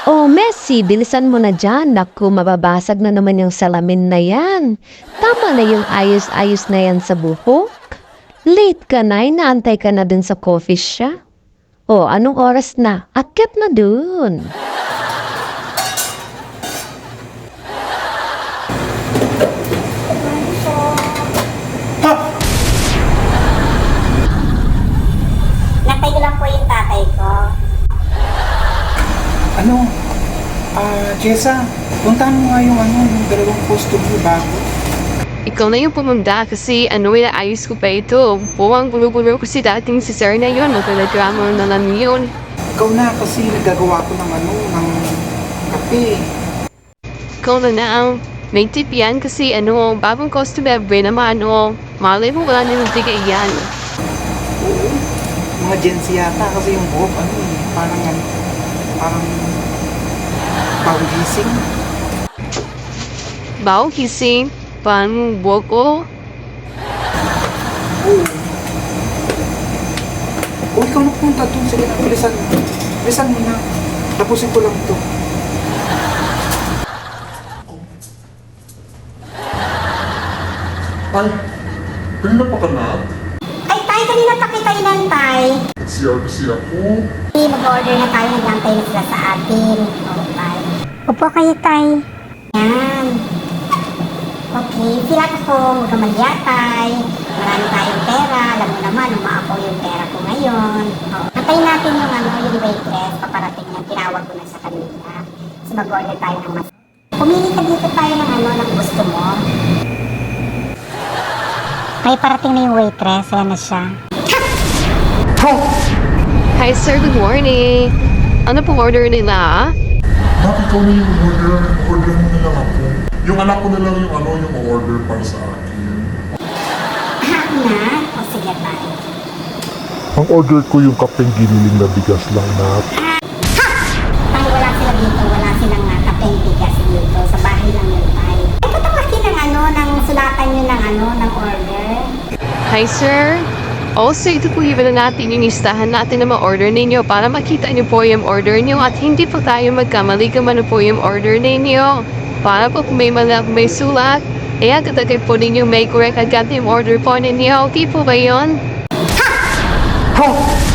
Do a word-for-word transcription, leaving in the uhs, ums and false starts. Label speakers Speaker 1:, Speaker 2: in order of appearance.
Speaker 1: Oh, Messi, bilisan mo na dyan. Naku, mababasag na naman yung salamin na yan. Tama na yung ayos-ayos na yan sa buhok. Late ka na, inaantay ka na dun sa coffee shop. Oh, anong oras na? Akyat na dun.
Speaker 2: Natay ko lang po yung tatay ko.
Speaker 3: Ano? Ah, Jessa, puntahan mo nga yung ano, yung dalawang customer bago.
Speaker 4: Ikaw na yung pumunda kasi ano yung ayos ko pa ito. Buwang gulo-gulo ko si dating si Sir na yun. Magkaladrama na lang yun.
Speaker 3: Ikaw na kasi nagagawa ko ng ano, ng kape.
Speaker 4: Ikaw na na ang may tip yan kasi ano, bagong customer ba naman ano. Malay mo wala nilang bigay yan.
Speaker 3: Oo. Mga Gen Z yata kasi yung buhok, ano eh, parang ano, parang pawigising.
Speaker 4: Bao kising, paano buwag ko?
Speaker 3: Oo. O ikaw na punta dun, sige na, bilisan mo. Bilisan mo na. Tapusin ko lang ito.
Speaker 5: Ay, kanina pa ka na?
Speaker 2: Ay, tay, kanina pa kita inantay.
Speaker 5: C R C ako.
Speaker 2: Hey, mag-order na tayo. Nag-antay na sila sa atin. Oo, tay. Upo kayo, tay. Yan. Okay, sila ko. Huwag ka maliya, tay. Marami tayong pera. Alam mo naman, umaapaw yung pera ko ngayon. Oo. Antayin natin yung ano, yung waitress. Paparating na. Tinawag ko na sa kanila. So, mag-order tayo ng mas. Pumili ka dito tayo ng ano, ng gusto mo. May parating na yung waitress. Ayan na siya.
Speaker 4: Hi sir, good morning. Ano pong order nila?
Speaker 5: Bakit ikaw na yung order? Order mo na lang ako. Yung anak ko na lang yung ano, yung order para sa akin.
Speaker 2: Ah, na? O sige tayo.
Speaker 5: Ang order ko yung kapeng giniling na bigas lang na.
Speaker 2: Tayo wala sila dito. Wala silang uh, kapeng bigas dito. Sa bahay lang yun tayo. Ay, ba't ang laki ng ano, ng sulatan nyo ng ano, ng order?
Speaker 4: Hi sir. Also, ito po iba na natin yung listahan natin na ma-order ninyo para makita niyo po yung order niyo at hindi po tayo magkamali kung ano po yung order ninyo. Para po kung may mali may sulat, eh agad-agad po ninyo may correct agad yung order po ninyo. Okay po ba yun?
Speaker 3: Ha!